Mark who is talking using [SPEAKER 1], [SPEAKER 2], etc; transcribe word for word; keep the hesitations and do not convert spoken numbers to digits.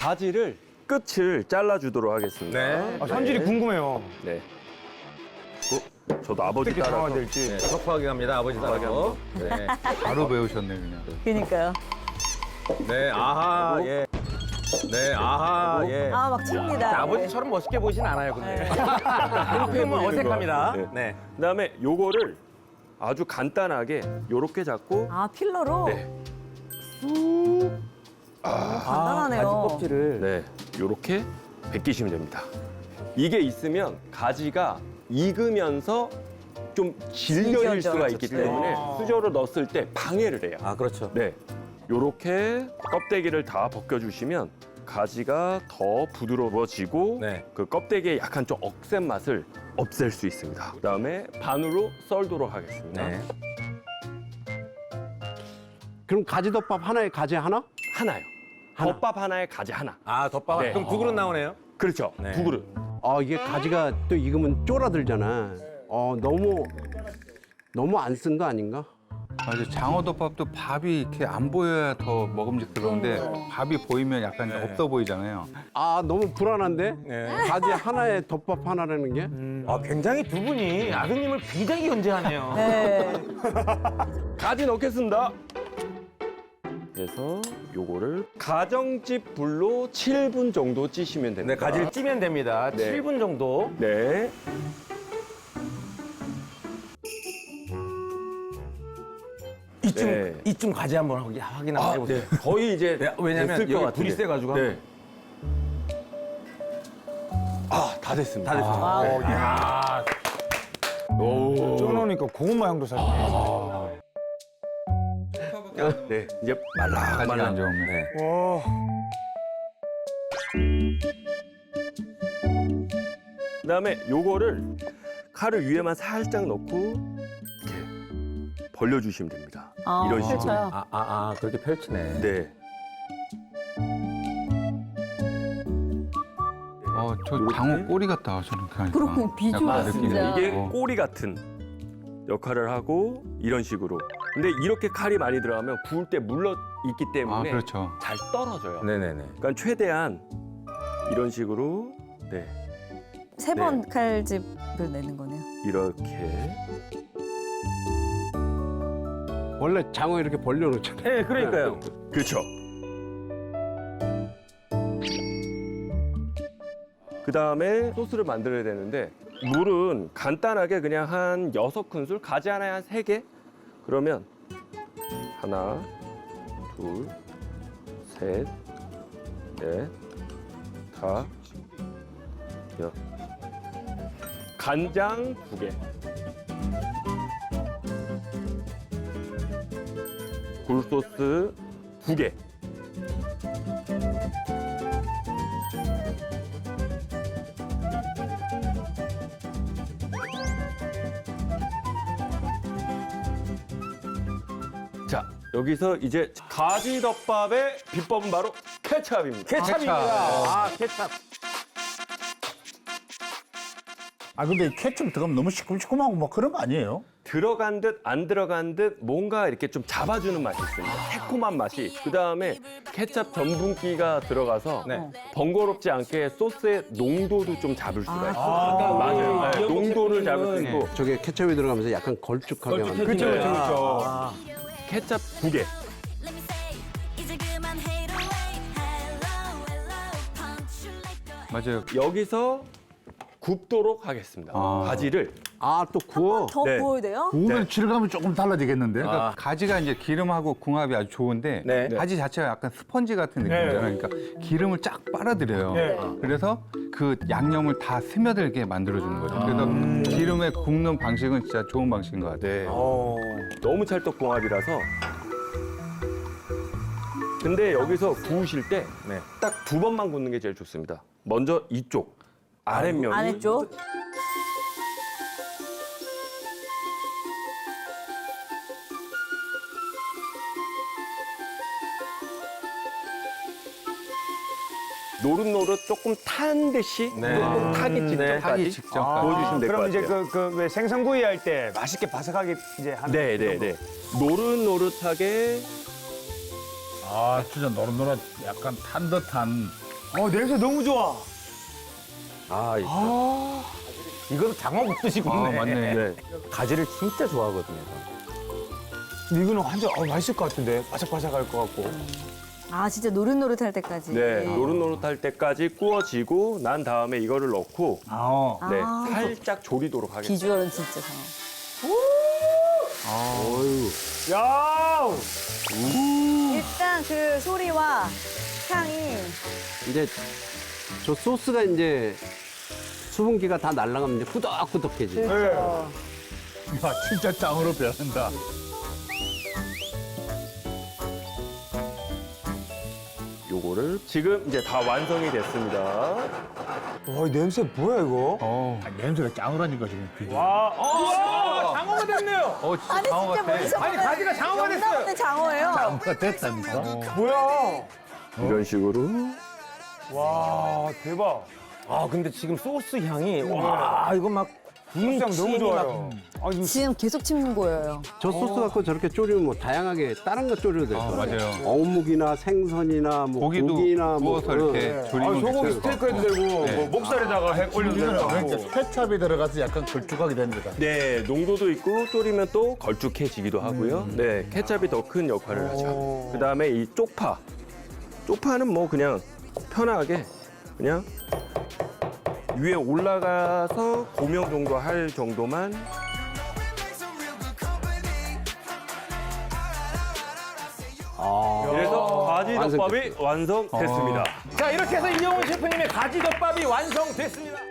[SPEAKER 1] 가지를 끝을 잘라주도록 하겠습니다.
[SPEAKER 2] 네.
[SPEAKER 3] 아, 손질이 궁금해요.
[SPEAKER 1] 네. 어, 저도 아버지
[SPEAKER 3] 어떻게
[SPEAKER 1] 따라서
[SPEAKER 3] 장화가 될지.
[SPEAKER 2] 네, 섭하게 갑니다. 아버지 따라서. 네.
[SPEAKER 4] 바로 배우셨네 그냥.
[SPEAKER 5] 그니까요.
[SPEAKER 2] 네, 아하, 예. 네, 아하, 예.
[SPEAKER 5] 아, 막 칩니다.
[SPEAKER 2] 자, 아버지처럼 멋있게 보이진 않아요, 근데. 조금은 어색합니다.
[SPEAKER 1] 네.
[SPEAKER 2] 네.
[SPEAKER 1] 그다음에 요거를 아주 간단하게 요렇게 잡고
[SPEAKER 5] 아, 필러로?
[SPEAKER 1] 네.
[SPEAKER 5] 간단하네요.
[SPEAKER 2] 껍질을.
[SPEAKER 1] 네, 요렇게 벗기시면 됩니다. 이게 있으면 가지가 익으면서 좀 질겨질
[SPEAKER 5] 질겨져.
[SPEAKER 1] 수가 있기 때문에 수저로 넣었을 때 방해를 해요.
[SPEAKER 2] 아, 그렇죠.
[SPEAKER 1] 네, 요렇게 껍데기를 다 벗겨주시면 가지가 더 부드러워지고
[SPEAKER 2] 네.
[SPEAKER 1] 그 껍데기의 약간 좀 억센 맛을 없앨 수 있습니다. 그다음에 반으로 썰도록 하겠습니다.
[SPEAKER 2] 네.
[SPEAKER 6] 그럼 가지덮밥 하나에 가지 하나?
[SPEAKER 1] 하나요.
[SPEAKER 6] 하나.
[SPEAKER 1] 덮밥 하나에 가지 하나.
[SPEAKER 2] 아, 덮밥.
[SPEAKER 1] 네.
[SPEAKER 2] 그럼 두 그릇 나오네요.
[SPEAKER 1] 그렇죠.
[SPEAKER 2] 네.
[SPEAKER 1] 두 그릇.
[SPEAKER 6] 아 이게 가지가 또 익으면 쫄아들잖아. 어 너무 너무 안 쓴 거 아닌가?
[SPEAKER 4] 맞아, 장어덮밥도 밥이 이렇게 안 보여야 더 먹음직스러운데 밥이 보이면 약간 없어 보이잖아요.
[SPEAKER 6] 아 너무 불안한데?
[SPEAKER 2] 네.
[SPEAKER 6] 가지 하나에 덮밥 하나라는 게?
[SPEAKER 2] 아, 굉장히 두 분이 아드님을 굉장히 견제하네요.
[SPEAKER 5] 네.
[SPEAKER 1] 가지 넣겠습니다. 그래서 요거를 가정집 불로 칠 분 정도 찌시면 됩니다.
[SPEAKER 2] 네, 가지를 찌면 됩니다.
[SPEAKER 1] 네.
[SPEAKER 2] 칠 분 정도.
[SPEAKER 1] 네.
[SPEAKER 2] 이쯤,
[SPEAKER 1] 네.
[SPEAKER 2] 이쯤 가지 한번 확인, 확인 한번 해보세요.
[SPEAKER 1] 거의 이제
[SPEAKER 2] 네, 왜냐면
[SPEAKER 1] 됐을 것
[SPEAKER 2] 여기
[SPEAKER 1] 같은데.
[SPEAKER 2] 불이 세가지고.
[SPEAKER 1] 네. 아, 다 됐습니다.
[SPEAKER 2] 다 됐습니다.
[SPEAKER 5] 아,
[SPEAKER 2] 네.
[SPEAKER 3] 야,
[SPEAKER 1] 오.
[SPEAKER 3] 쪄놓으니까 고구마 향도 살네.
[SPEAKER 1] 네, 이제 말라
[SPEAKER 4] 가지가 안
[SPEAKER 1] 말라.
[SPEAKER 4] 좋으면.
[SPEAKER 2] 네.
[SPEAKER 3] 와,
[SPEAKER 1] 그다음에 요거를 칼을 위에만 살짝 넣고 이렇게 벌려주시면 됩니다.
[SPEAKER 5] 아,
[SPEAKER 1] 이런 식으로.
[SPEAKER 5] 펼쳐요.
[SPEAKER 2] 아, 아, 아, 그렇게 펼치네.
[SPEAKER 1] 네.
[SPEAKER 4] 어, 저
[SPEAKER 1] 요렇게?
[SPEAKER 4] 장어 꼬리 같다 저렇게 하니까.
[SPEAKER 5] 그러면 비주얼
[SPEAKER 4] 약간 느낌이.
[SPEAKER 5] 진짜.
[SPEAKER 1] 이게
[SPEAKER 4] 어.
[SPEAKER 1] 꼬리 같은 역할을 하고 이런 식으로. 근데 이렇게 칼이 많이 들어가면 구울 때 물러 있기
[SPEAKER 4] 아,
[SPEAKER 1] 때문에
[SPEAKER 4] 그렇죠.
[SPEAKER 1] 잘 떨어져요.
[SPEAKER 2] 네네네.
[SPEAKER 1] 그러니까 최대한 이런 식으로 네
[SPEAKER 5] 세 번 칼집을 내는 거네요.
[SPEAKER 1] 이렇게
[SPEAKER 6] 원래 장어 이렇게 벌려놓잖아.
[SPEAKER 2] 네, 그러니까요.
[SPEAKER 1] 그렇죠. 그 다음에 소스를 만들어야 되는데 물은 간단하게 그냥 한 여섯 큰술, 가지 하나에 한 세 개. 그러면 하나, 둘, 셋, 넷, 다, 여. 간장 두 개. 굴소스 두 개. 자, 여기서 이제 가지덮밥의 비법은 바로 케찹입니다.
[SPEAKER 2] 케찹입니다. 아, 케찹.
[SPEAKER 7] 아 근데 케첩 들어가면 너무 시큼시큼하고 뭐 그런 거 아니에요?
[SPEAKER 1] 들어간 듯 안 들어간 듯 뭔가 이렇게 좀 잡아주는 맛이 있습니다. 새콤한 맛이. 그 다음에 케찹 전분기가 들어가서
[SPEAKER 2] 네.
[SPEAKER 1] 번거롭지 않게 소스의 농도도 좀 잡을 수가 있어요.
[SPEAKER 2] 아,
[SPEAKER 1] 맞아요. 네, 농도를 잡을 수
[SPEAKER 2] 셰프님은
[SPEAKER 1] 있고
[SPEAKER 6] 저게 케첩이 들어가면서 약간 걸쭉하게 만들.
[SPEAKER 3] 그렇죠,
[SPEAKER 1] 네.
[SPEAKER 3] 그렇죠, 그렇죠.
[SPEAKER 2] 아,
[SPEAKER 1] 케찹 두 개.
[SPEAKER 8] Let me say, 이제 그만 hate away. Hello, hello, punch you like a
[SPEAKER 4] 맞아요.
[SPEAKER 1] 여기서 굽도록 하겠습니다.
[SPEAKER 4] 아.
[SPEAKER 1] 가지를.
[SPEAKER 6] 아 또 구워.
[SPEAKER 5] 더
[SPEAKER 1] 네.
[SPEAKER 5] 구워야 돼요?
[SPEAKER 7] 구우면 질감이 조금 달라지겠는데?
[SPEAKER 4] 그러니까 가지가 이제 기름하고 궁합이 아주 좋은데
[SPEAKER 2] 네.
[SPEAKER 4] 가지 자체가 약간 스펀지 같은 느낌이잖아요. 그러니까 기름을 쫙 빨아들여요.
[SPEAKER 3] 네.
[SPEAKER 4] 그래서 그 양념을 다 스며들게 만들어주는 거죠. 그래서 기름에 굽는 방식은 진짜 좋은 방식인 것 같아요.
[SPEAKER 1] 네.
[SPEAKER 2] 어.
[SPEAKER 1] 너무 찰떡궁합이라서. 근데 여기서 구우실 때 딱
[SPEAKER 2] 네.
[SPEAKER 1] 두 번만 굽는 게 제일 좋습니다. 먼저 이쪽 아랫면이
[SPEAKER 5] 아래쪽?
[SPEAKER 1] 노릇노릇 조금 탄 듯이
[SPEAKER 2] 네.
[SPEAKER 1] 조금 타기
[SPEAKER 2] 네.
[SPEAKER 1] 직전까지
[SPEAKER 4] 타기 직전까지.
[SPEAKER 1] 구워주시면 될 것
[SPEAKER 3] 그럼 이제
[SPEAKER 1] 같아요.
[SPEAKER 3] 그, 그, 왜 생선구이 할 때 맛있게 바삭하게 이제 하는.
[SPEAKER 1] 네, 네,
[SPEAKER 3] 그런 거.
[SPEAKER 1] 네. 노릇노릇하게
[SPEAKER 7] 아 진짜 노릇노릇 약간 탄 듯한
[SPEAKER 3] 어, 냄새 너무 좋아.
[SPEAKER 2] 아, 이거. 이건 장어 굽듯이 굽네.
[SPEAKER 4] 아, 맞네.
[SPEAKER 1] 네.
[SPEAKER 2] 가지를 진짜 좋아하거든요.
[SPEAKER 3] 근데 이거는 완전 어, 맛있을 것 같은데. 바삭바삭할 것 같고.
[SPEAKER 5] 아 진짜 노릇노릇할 때까지.
[SPEAKER 1] 네, 노릇노릇할 때까지 구워지고 난 다음에 이거를 넣고
[SPEAKER 3] 아,
[SPEAKER 1] 네,
[SPEAKER 5] 아.
[SPEAKER 1] 살짝 졸이도록 하겠습니다.
[SPEAKER 5] 비주얼은 진짜 장어.
[SPEAKER 3] 야!
[SPEAKER 5] 일단 그 소리와 향이
[SPEAKER 6] 이제 저 소스가 이제 수분기가 다 날아가면 이제 꾸덕꾸덕해지.
[SPEAKER 5] 그렇죠.
[SPEAKER 7] 야, 진짜 짱으로 변한다.
[SPEAKER 1] 요거를 지금 이제 다 완성이 됐습니다.
[SPEAKER 3] 와, 이 냄새 뭐야, 이거?
[SPEAKER 4] 어,
[SPEAKER 7] 아, 냄새가 짱으라니까 지금. 비주얼.
[SPEAKER 3] 와, 어, 장어가 됐네요.
[SPEAKER 4] 어 진짜
[SPEAKER 5] 아니
[SPEAKER 4] 장어
[SPEAKER 5] 진짜
[SPEAKER 4] 같아.
[SPEAKER 5] 머리서
[SPEAKER 3] 아니, 가지가 장어가 됐어요.
[SPEAKER 5] 영남 장어예요.
[SPEAKER 7] 짱가 됐다니까.
[SPEAKER 3] 뭐야?
[SPEAKER 1] 이런 식으로.
[SPEAKER 3] 와, 대박.
[SPEAKER 2] 아, 근데 지금 소스 향이, 와, 이거 막.
[SPEAKER 3] 향 너무 좋아요. 아, 지금
[SPEAKER 5] 지금 계속 침 보여요.
[SPEAKER 6] 저 소스 갖고 저렇게 졸이면 뭐 다양하게 다른 거 졸여도 될
[SPEAKER 4] 아,
[SPEAKER 6] 것 같아요.
[SPEAKER 4] 맞아요.
[SPEAKER 6] 어묵이나 생선이나 뭐
[SPEAKER 4] 고기도
[SPEAKER 6] 고기나 뭐
[SPEAKER 4] 구워서 이렇게
[SPEAKER 3] 아,
[SPEAKER 4] 조리면
[SPEAKER 3] 소고기
[SPEAKER 4] 괜찮을 것
[SPEAKER 3] 스테이크 해도
[SPEAKER 4] 같고.
[SPEAKER 3] 되고,
[SPEAKER 4] 네.
[SPEAKER 3] 뭐 목살에다가 해 올려도
[SPEAKER 7] 이거는
[SPEAKER 3] 되고.
[SPEAKER 7] 그러니까 케찹이 들어가서 약간 걸쭉하게 되는 거다.
[SPEAKER 1] 네, 농도도 있고 졸이면 또 걸쭉해지기도 하고요. 네, 케찹이 더 큰 역할을 하죠. 그다음에 이 쪽파. 쪽파는 뭐 그냥 편하게 그냥 위에 올라가서 고명 정도 할 정도만. 그래서 가지덮밥이 완성됐습니다.
[SPEAKER 2] 자, 이렇게 해서 이영훈 셰프님의 가지덮밥이 완성됐습니다.